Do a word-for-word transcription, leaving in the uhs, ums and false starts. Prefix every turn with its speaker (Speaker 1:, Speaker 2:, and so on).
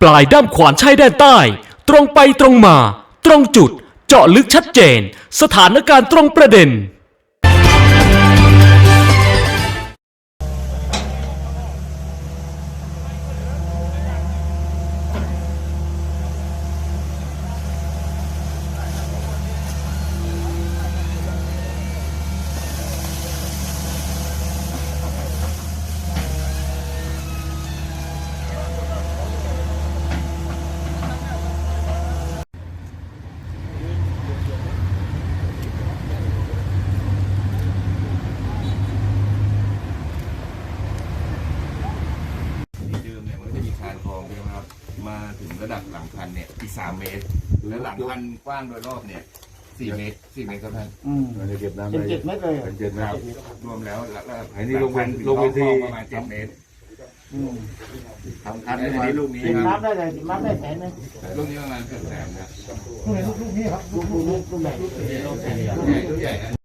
Speaker 1: ปลายด้ามขวานใช้แดนใต้ ตรงไปตรงมา ตรงจุด เจาะลึกชัดเจน สถานการณ์ตรงประเด็น
Speaker 2: มาถึงระดับหลังคันเนี่ยอีกสามเมตรแล้วหลังคันกว้างโดยรอบเนี่ยสี่เมตรสี่เมตรครับท่าน
Speaker 3: อืม
Speaker 4: เราจะเก็บน้ำ
Speaker 3: เป็น
Speaker 4: ได้
Speaker 3: เจ็ดเมตรเลยเหรอ
Speaker 4: เป็นเจ็ดเมตร
Speaker 2: รวมแล้วระดับ
Speaker 4: อันนี้ลงไป
Speaker 2: หคั
Speaker 4: ลงไปที่
Speaker 2: ประมาณเจ็ดเมตร
Speaker 3: อืม
Speaker 2: ทำคันอันนี้ลูกนี้
Speaker 3: ติด
Speaker 2: ครับ
Speaker 3: น้ำได้เลยติดน้ำได้แสนนึง
Speaker 2: ลูกนี้ประมาณเกือบแสนครับ
Speaker 3: ลูกลูกนี้ครับลูกลูกลูกลูกไหนลูกใหญ่
Speaker 2: ลูกใหญ่